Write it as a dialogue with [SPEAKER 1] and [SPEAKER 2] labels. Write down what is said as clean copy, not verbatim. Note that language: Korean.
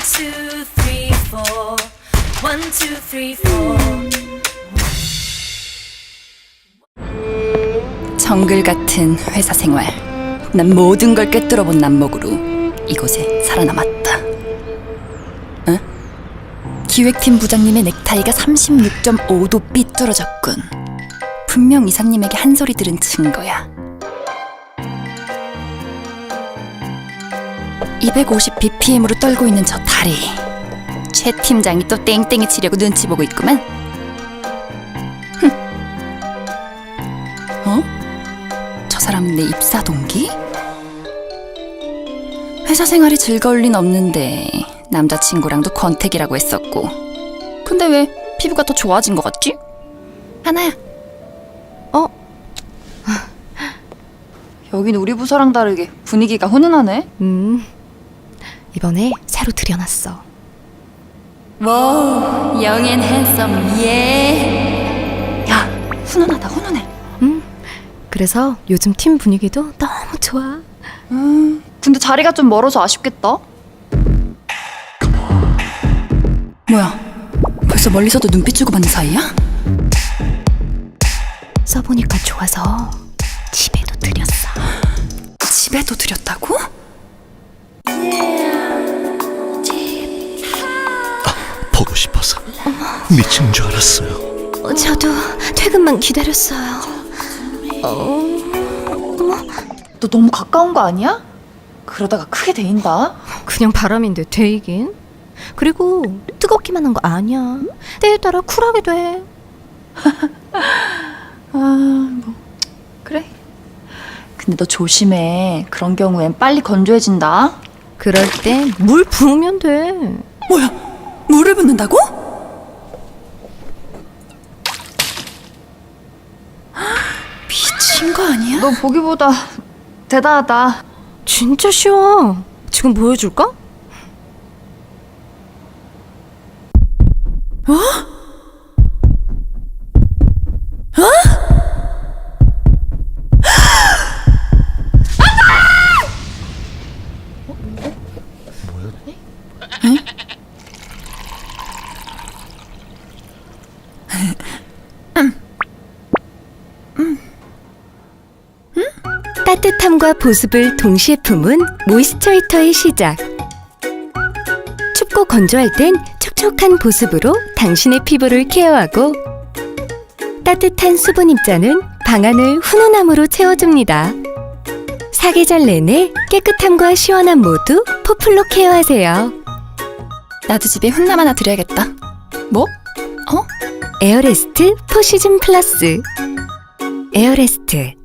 [SPEAKER 1] two, three, four. 1, 2, 3, 4.
[SPEAKER 2] 정글 같은 회사 생활. 난 모든 걸 꿰뚫어본 남목으로 이곳에 살아남았다. 응? 기획팀 부장님의 넥타이가 36.5도 삐뚤어졌군. 분명 이사님에게 한 소리 들은 증거야. 250bpm으로 떨고 있는 저 다리. 최 팀장이 또 땡땡이 치려고 눈치 보고 있구만. 어? 저 사람은 내 입사 동기? 회사 생활이 즐거울 린 없는데 남자친구랑도 권태기라고 했었고. 근데 왜 피부가 더 좋아진 것 같지? 하나야. 여긴 우리 부서랑 다르게 분위기가 훈훈하네.
[SPEAKER 3] 이번에 새로 들여놨어.
[SPEAKER 2] 와우, young and handsome, 예. 야, 훈훈하다, 훈훈해.
[SPEAKER 3] 그래서 요즘 팀 분위기도 너무 좋아.
[SPEAKER 2] 근데 자리가 좀 멀어서 아쉽겠다. 뭐야, 벌써 멀리서도 눈빛 주고받는 사이야?
[SPEAKER 3] 써보니까 좋아서 집에도 들였어.
[SPEAKER 2] 집에도 들였다고?
[SPEAKER 4] 보고 싶어서 미친 줄 알았어요.
[SPEAKER 3] 저도 퇴근만 기다렸어요.
[SPEAKER 2] 너 너무 가까운 거 아니야? 그러다가 크게 데인다.
[SPEAKER 3] 그냥 바람인데 데이긴. 그리고 뜨겁기만 한 거 아니야. 때에 따라 쿨하게 돼.
[SPEAKER 2] 그래. 근데 너 조심해. 그런 경우엔 빨리 건조해진다.
[SPEAKER 3] 그럴 때 물 부으면 돼.
[SPEAKER 2] 뭐야, 물을 붓는다고? 미친 거 아니야? 너 보기보다 대단하다.
[SPEAKER 3] 진짜 쉬워. 지금 보여줄까? 따뜻함과 보습을 동시에 품은 모이스처히터의 시작. 춥고 건조할 땐 촉촉한 보습으로 당신의 피부를 케어하고, 따뜻한 수분 입자는 방안을 훈훈함으로 채워줍니다. 사계절 내내 깨끗함과 시원함 모두 포플로 케어하세요.
[SPEAKER 2] 나도 집에 훈남 하나 드려야겠다. 뭐?
[SPEAKER 3] 에어레스트 4시즌 플러스. 에어레스트